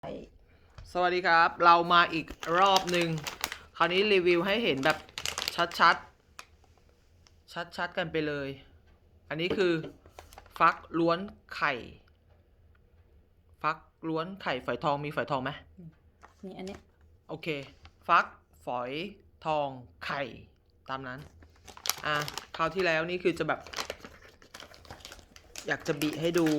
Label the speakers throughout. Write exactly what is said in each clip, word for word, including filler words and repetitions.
Speaker 1: สวัสดีครับเรามาอีกรอบหนึ่งคราวนี้รีวิวให้เห็นแบบชัดๆชัดๆกันไปเลยอันนี้คือฟักล้วนไข่ฟักล้วนไข่ฝอยทองมีฝอยทองไหม
Speaker 2: นี่อันนี้
Speaker 1: โอเคฟักฝอยทองไข่ตามนั้นอ่ะคราวที่แล้วนี่คือจะแบบอยากจะบิให้ดู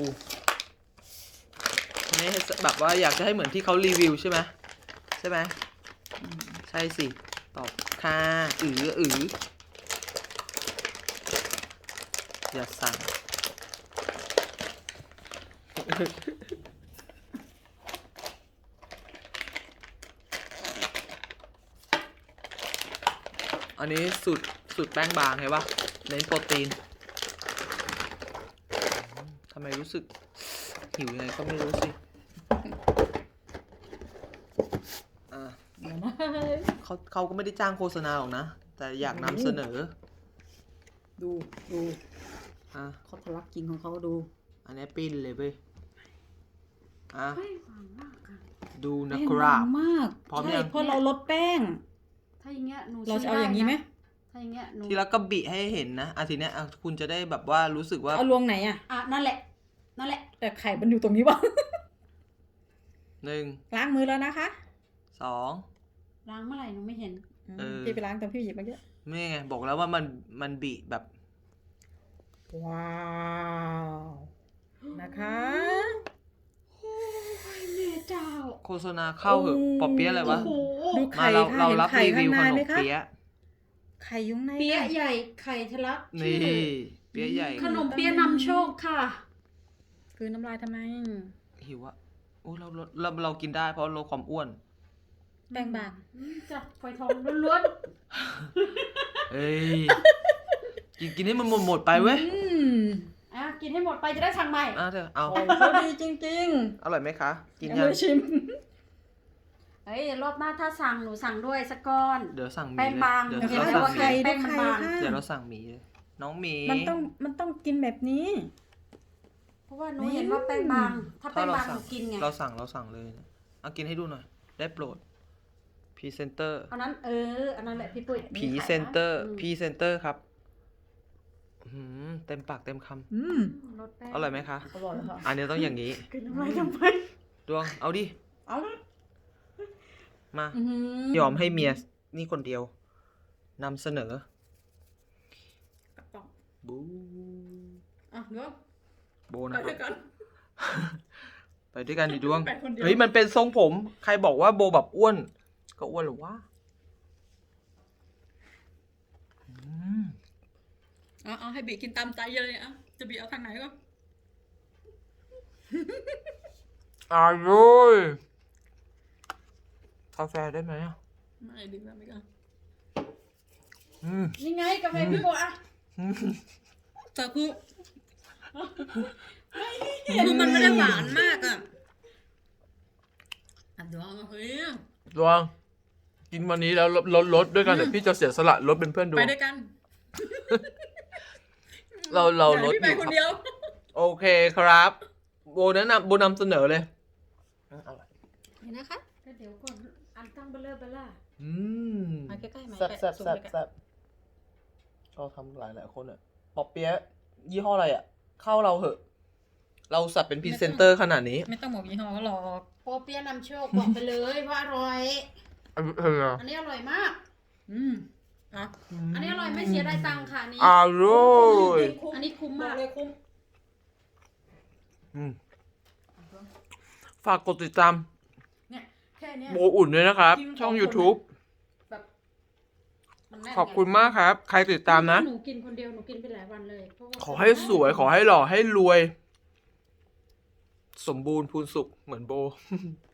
Speaker 1: ไม่ให้แบบว่าอยากจะให้เหมือนที่เขารีวิวใช่ไหมใช่ไหมใช่สิตอบค่ะอืออืออย่าสั่ง อันนี้สูตรสูตรแป้งบางเห็นปะเน้นโปรตีนทำไมรู้สึกหิวยังไงก็ไม่รู้สิ
Speaker 2: เดี๋ยวนะ
Speaker 1: เขาเขาก็ไม่ได้จ้างโฆษณาหรอกนะแต่อยากนำเสนอ
Speaker 2: ดูดู
Speaker 1: อ่ะ
Speaker 2: เขาทะลักกินของเขาดู
Speaker 1: อันนี้ปิ้นเลยเว้ยอ่ะ
Speaker 3: แป้งบางมากค่ะ
Speaker 1: ดูนะ
Speaker 2: แป้ง
Speaker 1: ครับ
Speaker 2: บางมาก
Speaker 1: พร้อม
Speaker 2: ใช่
Speaker 1: ยัง
Speaker 2: เพราะเราลดแป้ง
Speaker 3: ถ้าอย่างเงี้ยหนู
Speaker 2: เราจะเอาอย่างนี้ไหม
Speaker 3: ถ้าอย่างเงี้ยหนู
Speaker 1: ทีละก็บิให้เห็นนะอาทีเนี้ยอ่ะคุณจะได้แบบว่ารู้สึกว่า
Speaker 2: เอาลวงไหนอ่ะ
Speaker 3: อ่ะนั่นแหละนั่นแหละ
Speaker 2: แต่ไข่มันอยู่ตรงนี้วะ
Speaker 1: หนึ่ง
Speaker 2: ล้างมือแล้วนะคะ
Speaker 1: สอง
Speaker 3: ล้างเมื่อไหร่หนูไม่เห็น
Speaker 1: เออ
Speaker 2: พี่ไปล้างตอนพี่หยิบเมื่อกี้
Speaker 1: ไม่ไงบอกแล้วว่ามันมันบิแบบ
Speaker 2: ว้าวนะคะ
Speaker 3: โอ้ยแม่เจ้า
Speaker 1: โฆษณาเข้าเหอะปอเปี๊ยะอะไรวะ
Speaker 3: โอ้โห
Speaker 2: ดู
Speaker 1: มา
Speaker 2: ไข่
Speaker 1: เรา
Speaker 2: ค่ะ
Speaker 1: เรา
Speaker 2: เห็น
Speaker 1: รับ
Speaker 2: ไข่
Speaker 1: รี
Speaker 2: ข้า
Speaker 1: วิ
Speaker 2: ง
Speaker 1: ว
Speaker 2: ใน
Speaker 1: ขน
Speaker 2: ไหม
Speaker 1: ม
Speaker 2: คะ
Speaker 1: เปี๊ยะ
Speaker 2: ไข่ยุ้งใน
Speaker 3: เปี๊ยะ
Speaker 2: ค่ะ
Speaker 3: ใหญ่ไข่ทะลัก
Speaker 1: นี่
Speaker 3: ชื่อ
Speaker 1: เปี๊ยะใหญ่
Speaker 3: ขนมเปี๊ยะนำโชคค่ะ
Speaker 2: คือน้ำลายทำไม
Speaker 1: หิวอะโอ้เราเราเราเรากินได้เพราะลดความอ้วน
Speaker 2: แป้งบาง
Speaker 3: อืมจับไฟทองล้วน
Speaker 1: เอ้ยกินกินให้มันหมดหมดไปเว้ย
Speaker 2: อืม
Speaker 3: ๆอ่ะกินให้หมดไปจะได้สั่งใหม่
Speaker 1: อ่ะเถอะเอา
Speaker 2: ไข่เขาดีจริง
Speaker 1: อร่อยไหมคะ
Speaker 2: ๆ
Speaker 1: กิน
Speaker 2: ยัง
Speaker 1: ยัง
Speaker 2: ไม่ชิม
Speaker 3: เฮ้ยรอบหน้าถ้าสั่งหนูสั่งด้วยสักก้อน
Speaker 1: เดี๋ยวสั่งหมี
Speaker 3: แป้งบาง
Speaker 1: เลย
Speaker 3: เดี๋
Speaker 1: เดี๋ยว
Speaker 3: ยว
Speaker 1: เรา
Speaker 3: ให้
Speaker 1: สั่ง
Speaker 3: ดู
Speaker 1: ห
Speaker 3: ไข่
Speaker 1: มี
Speaker 2: ดู
Speaker 3: แป้งมัน
Speaker 2: ไข่
Speaker 3: บาง
Speaker 2: ค่ะ
Speaker 1: เดี๋ยวเราสั่งหมีเลยน้องหมี
Speaker 2: มันต้องมันต้องกินแบบนี้
Speaker 3: เพราะว่าหนูเห็นว่าแป้งบาง ถ้าแป้งบางหนูกินไง
Speaker 1: เราสั่งเราสั่งเลยเอากินให้ดูหน่อยได้โปรดพรีเซนเตอร์
Speaker 3: อันนั้นเอออันนั้นแหละพี่ปุ้ย
Speaker 1: พรีเซนเตอร์
Speaker 3: อืม
Speaker 1: พรีเซนเตอร์ครับอื้อหือเต็มปากเต็มค
Speaker 2: อืม
Speaker 3: รสแป้ง
Speaker 1: ำอร่อยไหมคะ
Speaker 2: อร่อยค่ะ
Speaker 1: อันนี้ต้องอย่างนี้
Speaker 3: กินน้ำลายทำไม
Speaker 1: ดวงเอาดิ
Speaker 2: เอาละ
Speaker 1: มา
Speaker 2: อื้อหือย
Speaker 1: อมให้เมียนี่คนเดียวนำเสนอ
Speaker 2: กระป๋อง
Speaker 1: บู
Speaker 2: อ่ะเดี๋ยว
Speaker 1: โบ
Speaker 2: ไป
Speaker 1: นะค
Speaker 2: ด้
Speaker 1: รั
Speaker 2: วย
Speaker 1: บ
Speaker 2: กัน
Speaker 1: ไปด้วยกันดิดวง
Speaker 2: ไปคนเดียว
Speaker 1: เฮ้ยมันเป็นทรงผม ใครบอกว่าโบแบบอ้วน ก็อ้วนหรือวะอืม
Speaker 2: เอาเอาให้บีกินตามใจเลยอ่ะจะบีเอาทางไหนก็
Speaker 1: อร่อยกาแฟได้ไหมอ่ะ
Speaker 2: ไม่ดีกว่าไม่กัน
Speaker 1: อืม
Speaker 3: นี่ไงกาแฟพี่โบอ่ะ
Speaker 2: แต่คือคือมันไม่ได้หวานมากอ่ะอ่ะเดี๋ยวเอาเฮ้ย
Speaker 1: ดวง กินวันนี้แล้วลดลดลดด้วยกันเดี๋ยวพี่จะเสียสละลดเป็นเพื่อนดว
Speaker 2: ไป
Speaker 1: ง
Speaker 2: ด้วยกัน
Speaker 1: เราเราลด
Speaker 2: พี่
Speaker 1: อ
Speaker 2: ไป
Speaker 1: ยู่
Speaker 2: คน
Speaker 1: ครับ
Speaker 2: เดียว
Speaker 1: โอเคครับ โบแนะนำโบนำเสนอเลยอร่อย
Speaker 2: เห็นนะคะ
Speaker 3: ก็เดี๋ยวก่อนอันตั้งเบลเลอร์เบลล่า
Speaker 1: อืม
Speaker 2: มาใกล้ๆมา
Speaker 1: แซ่บ
Speaker 2: ใกล้ๆ
Speaker 1: แซ่บ
Speaker 2: ซูม
Speaker 1: แซ่บ
Speaker 2: ใกล้ๆ
Speaker 1: แซ่บเราทำหลายหลายคนอ่ะปอเปี๊ยะยี่ห้ออะไรอ่ะ เข้าเราเหอะ เราสับเป็นพรีเซนเตอร์ขนาดนี้
Speaker 2: ไม่ต้องบอกยี่ห้อก็หรอก
Speaker 3: โปเปียะนำโชคบอกไปเลยว่าอร่อย
Speaker 1: เออ
Speaker 3: อันนี้อร่อยมาก
Speaker 2: อืมอ่ะ
Speaker 3: อันนี้อร่อยไม่เสียดายตังค์ค่ะอันนี้
Speaker 1: อร่อย
Speaker 3: อันนี้คุ้ม
Speaker 2: บอ
Speaker 3: มาก ก
Speaker 2: เลยคุ้ม
Speaker 1: อืมฝากกดติดตาม
Speaker 2: เนี่ยแค่เนี้ย
Speaker 1: โบอุ่นด้วยนะครับ
Speaker 2: จริง
Speaker 1: ช่อง
Speaker 2: ขอบคุณ
Speaker 1: YouTube
Speaker 3: แบบมันแน่นไง
Speaker 1: ขอบคุณมากครับ ใครติดตามนะ
Speaker 3: หนูกินคนเดียวหนูกินไปหลายวันเลยเพราะว่า
Speaker 1: ขอให้สวย ขอให้หล่อให้รวย สมบูรณ์พูนสุขเหมือนโบ